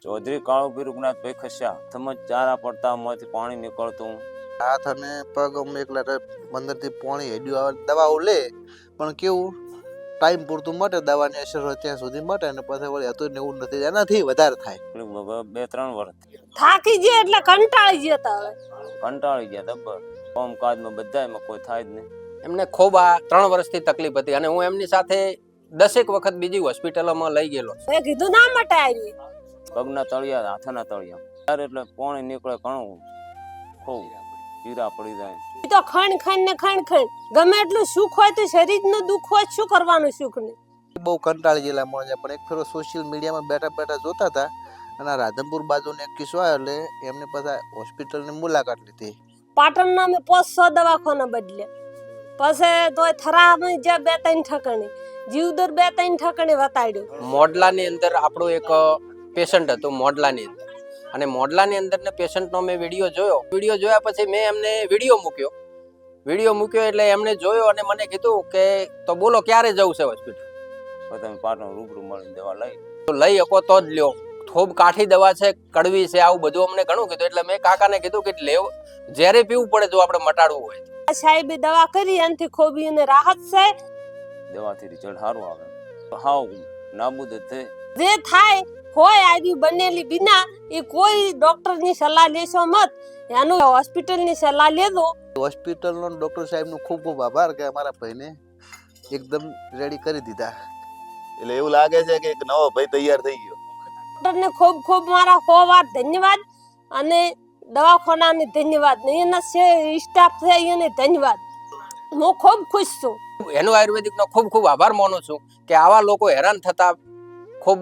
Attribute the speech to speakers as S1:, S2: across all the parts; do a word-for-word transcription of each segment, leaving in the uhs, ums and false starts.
S1: ચૌધરી કાળુભી રૂગનાથભાઈ ખસ્યા સમજ ચારા પડતા માંથી પાણી નીકળતું
S2: હાથ અને પગ અમે એકલા અંદર થી પાણી હેડ્યું આવે દવાઓ લે પણ કેવું ટાઈમ પૂરતું મટે દવાની અસર હોય ત્યાં સુધી મટે અને પછી વળી હતું ને એવું નથી એનાથી વધારે થાય
S1: બે ત્રણ વર્ષ
S3: થાકી ગયા એટલે કંટાળી ગયા તા હવે
S1: કંટાળી ગયા દબ્બર કામ કાજમાં બધાયમાં કોઈ થાય જ નહીં.
S4: એમને ખૂબ આ ત્રણ વર્ષથી તકલીફ હતી અને હું એમની સાથે દસેક વખત બીજી હોસ્પિટલોમાં લઈ ગયેલો.
S3: મેં કીધું ના માટે આવી
S1: પગના તળિયા હાથના તળિયા ત્યારે એટલે પાણી નીકળે ઘણું ખૂબ ચીરા પડી જાય.
S3: ઈ તો ખણ ખણ ને ખણ ખણ ગમે એટલું સુખ હોય તો શરીરનું દુઃખ હોય શું કરવાનું સુખ ને
S2: બહુ કંટાળી ગયેલા મળે પણ એક ફેરો સોશિયલ મીડિયામાં બેઠા બેઠા જોતા હતા અને આ રાધનપુર બાજુનો એક કિસ્સો આવ્યો એટલે એમને પાછા હોસ્પિટલની મુલાકાત લીધી.
S3: પાટણના મેં પાંચ સો દવાખાના બદલે પછી તોય થરામાં જ્યાં બે ત્રણ ઠકણી જીવદર બે ત્રણ ઠકણી વતાડ્યું.
S4: મોડલાની અંદર આપણો એક પેશન્ટ હતો મોડલાની અંદર અને મોડલાની અંદર ને પેશન્ટનો મેં વિડીયો જોયો. વિડીયો જોયા પછી મેં એમને વિડીયો મૂક્યો વિડીયો મૂક્યો એટલે એમને જોયો અને મને કીધું કે તો બોલો ક્યારે જવું છે હોસ્પિટલ?
S1: તમે પાટણ રૂબરૂ મળીને દવા લઈ
S4: તો લઈ શકો તો જ લ્યો. ખૂબ કાઠી દવા છે, કડવી છે, આવું બધું અમને ઘણું કીધું એટલે મેં કાકાને કીધું કે લેવ જ્યારે પીવું પડે જો આપણે મટાડવું હોય.
S3: સાહેબે દવા કરી એનાથી ખોબી અને રાહત છે.
S1: દવાથી રિઝલ્ટ સારું આવે. હાવ નાબૂદ થઈ
S3: જે થાય હોય આવી બનેલી બિના એ કોઈ ડોક્ટરની સલાહ લેશો મત, એનું હોસ્પિટલની સલાહ લેજો.
S2: હોસ્પિટલનો ડોક્ટર સાહેબનો ખૂબ ખૂબ આભાર કે અમારા ભાઈને એકદમ રેડી કરી દીધા.
S5: એટલે એવું લાગે છે કે એક નવો ભાઈ તૈયાર થઈ ગયો.
S3: ડોક્ટરને ખૂબ ખૂબ મારા સો વાર ધન્યવાદ અને દવાખાનાને ધન્યવાદ ને એના સ્ટાફ છે એને ધન્યવાદ. હું ખૂબ ખુશ છું.
S4: એનું આયુર્વેદિકનો ખૂબ ખૂબ આભાર માનું છું કે આવા લોકો હેરાન થતા ખૂબ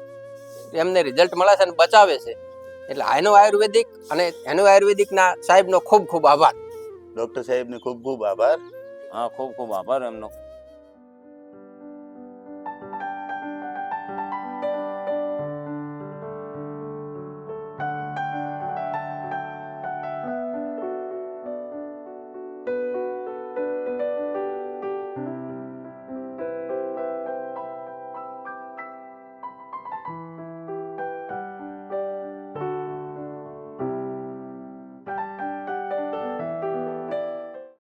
S4: એમને રિઝલ્ટ મળે છે અને બચાવે છે. એટલે એનું આયુર્વેદિક અને એનું આયુર્વેદિકના સાહેબનો ખૂબ ખૂબ આભાર.
S5: ડોક્ટર સાહેબને ખૂબ ખૂબ આભાર.
S1: હા ખૂબ ખૂબ આભાર એમનો.